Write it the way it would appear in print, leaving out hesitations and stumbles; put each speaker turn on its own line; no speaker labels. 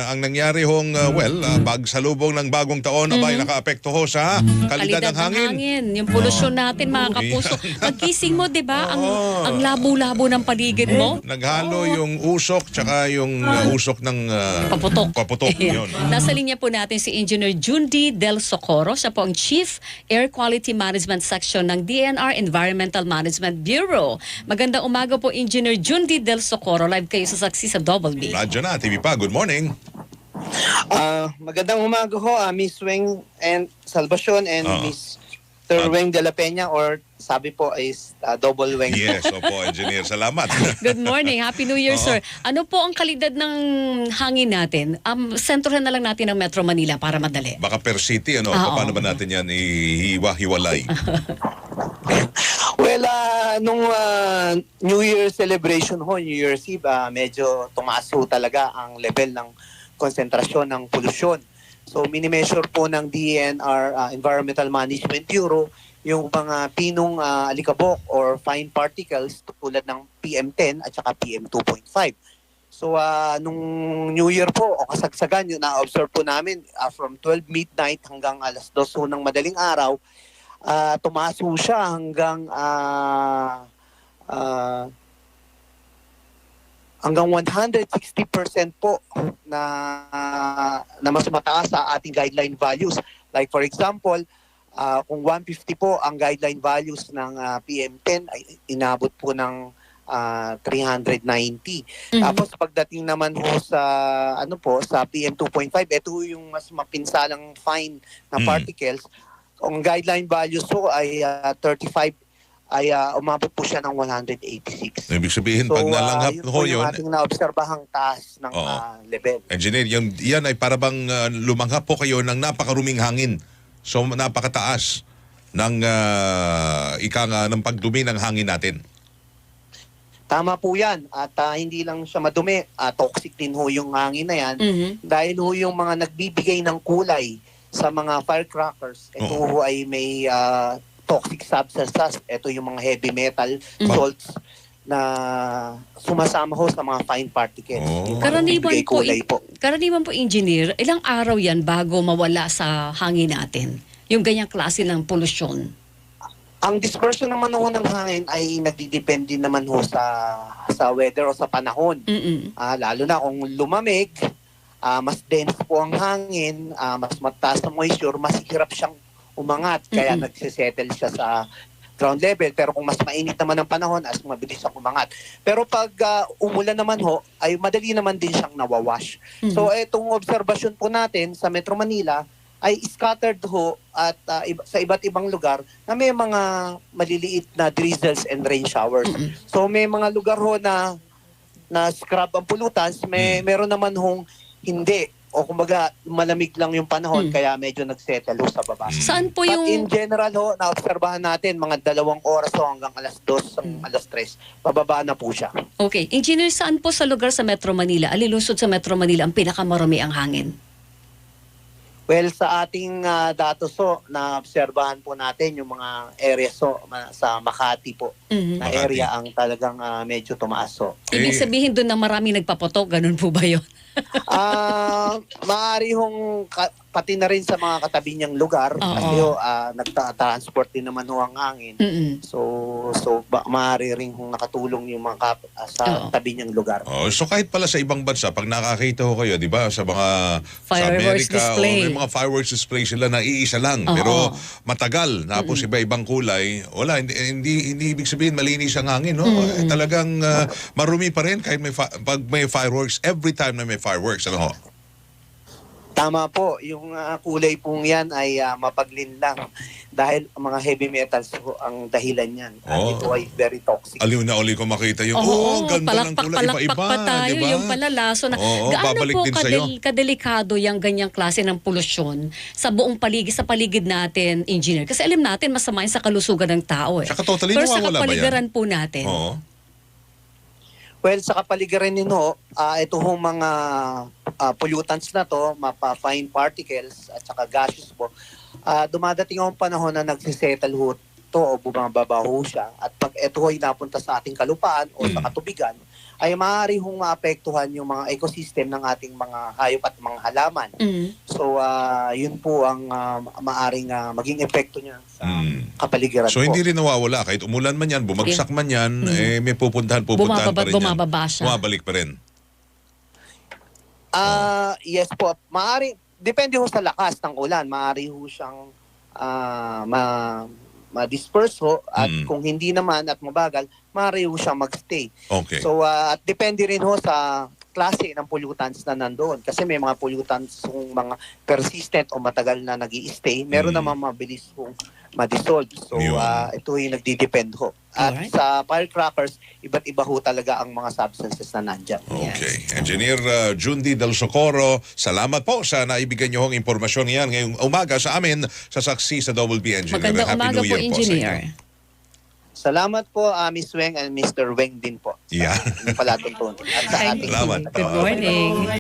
ang nangyari hong, pagsalubong ng bagong taon, abay, nakaapekto ho sa kalidad ng hangin.
Yung polusyon natin, mga kapuso. Pagkising mo, di ba, ang labo-labo ng paligid mo.
Naghalo yung usok tsaka yung usok ng paputok. Yun.
Nasa linya po natin si Engineer Jundi Del Socorro. Siya po ang Chief Air Quality Management Section ng DNR Environmental Management Bureau. Magandang umaga po, Engineer Jundi Del Socorro. Live kayo sa Saksi sa Double B.
Radyo na, TV pa. Good morning.
Magandang umaga ho, Miss Weng and Salvacion and Miss Weng de la Peña, or sabi po is Double Weng.
Yes, opo, engineer. Salamat.
Good morning. Happy New Year, sir. Ano po ang kalidad ng hangin natin? Sentrohan na lang natin ng Metro Manila para madali.
Baka per city, paano ba natin yan hiwa-hiwalay?
Well, nung New Year celebration ho, New Year's Eve, medyo tumaas ho talaga ang level ng konsentrasyon ng polusyon. So, minimeasure po ng DNR Environmental Management Bureau yung mga pinong alikabok or fine particles tulad ng PM10 at saka PM2.5. So, nung New Year po o kasagsagan, yun na-observe po namin from 12 midnight hanggang alas 2 ho ng madaling araw, tumaas ho siya hanggang 160% po na mas mataas sa ating guideline values. Like for example, kung 150 po ang guideline values ng PM10 ay inabot po ng 390. Tapos pagdating naman ho sa sa PM2.5, ito yung mas mapinsalang fine na particles. Ang guideline values po ay 35, ay umabot po siya ng 186.
Ibig sabihin, pag nalanghap ho yun,
yung ating naobserbahang taas ng level.
Engineer, yan ay parabang lumanghap po kayo ng napakaruming hangin. So, napakataas ng ng pagdumi ng hangin natin.
Tama po yan. At hindi lang siya madumi, toxic din ho yung hangin na yan. Dahil ho yung mga nagbibigay ng kulay sa mga firecrackers, ito ho ay may toxic substances. Ito yung mga heavy metal salts na sumasama ho sa mga fine particles.
Karaniwan po, engineer, ilang araw yan bago mawala sa hangin natin? Yung ganyang klase ng polusyon?
Ang dispersion naman ho ng hangin ay nagdidepende naman ho sa weather o sa panahon. Lalo na kung lumamig, mas dense po ang hangin, mas mataas na moisture, mas hirap siyang umangat, kaya nagsisettle siya sa ground level. Pero kung mas mainit naman ang panahon, as mabilis siyang umangat. Pero pag umulan naman ho, ay madali naman din siyang nawawash. So itong obserbasyon po natin sa Metro Manila ay scattered ho at sa iba't ibang lugar na may mga maliliit na drizzles and rain showers. So may mga lugar ho na scrub ang pollutants, meron naman hong hindi, o kumbaga malamig lang yung panahon kaya medyo nagsettle ho sa baba.
Saan po yung...
But in general ho, naobserbahan natin mga 2 oras ho hanggang alas 2, alas 3, bababa na po siya.
Okay. Engineer, saan po sa lugar sa Metro Manila, alilusod sa Metro Manila, ang pinakamarumi ang hangin?
Well, sa ating datos ho, naobserbahan po natin yung mga areas ho, sa Makati po, na area ang talagang medyo tumaas ho.
Ibig sabihin doon na marami nagpaputok, ganun po ba yun?
Maaari hong pati na rin sa mga katabi niyang lugar kasi nagta-transport din naman ho ang hangin. So maaari rin hong nakatulong yung mga sa tabi niyang lugar.
So kahit pala sa ibang bansa, pag nakakita ho kayo, di ba, sa mga
fireworks
sa Amerika,
display.
May mga fireworks display sila na iisa lang, pero matagal, tapos iba-ibang kulay, wala, hindi ibig sabihin malinis ang hangin, no? Talagang marumi pa rin kahit pag may fireworks, every time na may fireworks, ano ho?
Tama po, yung kulay pong yan ay mapaglinlang dahil mga heavy metals po ang dahilan yan. Ito ay very toxic.
Aliw na uli ko makita yung, ganda ng kulay, iba-iba,
pa tayo,
diba?
yung palalaso na. Gaano po kadelikado yung ganyang klase ng polusyon sa buong paligid, sa paligid natin, engineer? Kasi alam natin, masama yun sa kalusugan ng tao.
Saka totally
pero sa
nawawala ba yan?
kapaligiran po natin.
Well, sa kapaligiran nino, ito hong mga pollutants na to, fine particles at saka gases po, dumadating ang panahon na nagsisettle ho to o bumababa ho siya. At pag ito ay napunta sa ating kalupaan o sa katubigan, ay maaari hong maapektuhan yung mga ecosystem ng ating mga hayop at mga halaman. So, yun po ang maaring maging epekto niya sa kapaligiran
So
po.
hindi rin nawawala. Kahit umulan man yan, bumagsak man yan, may pupuntahan pa rin yan.
Bumababa siya.
Bumabalik pa rin.
Yes po. Maaari, depende ho sa lakas ng ulan. Maaari ho siyang ma-disperse ho. At kung hindi naman at mabagal, maaari ho siyang magstay.
Okay.
So, at depende rin ho sa klase ng pollutants na nandoon. Kasi may mga pollutants kung mga persistent o matagal na nag-i-stay. Meron naman mabilis kung ma-dissolve. So,
Yun.
ito yung nagdi-depend ho. At
Alright.
sa firecrackers, iba't iba ho talaga ang mga substances na nandyan.
Okay. Engineer Jundi Del Socorro, salamat po sa naibigay niyo hong impormasyon yan ngayong umaga sa amin sa Saksi sa Double B Engineer.
Magandang
Happy
umaga
New
po,
Year po sa
Engineer.
inyo.
Salamat po, Miss Weng and Mr. Weng din po.
Yeah.
Sa palatuntunan. At sa
Thank
ating
Salamat.
you. Good morning.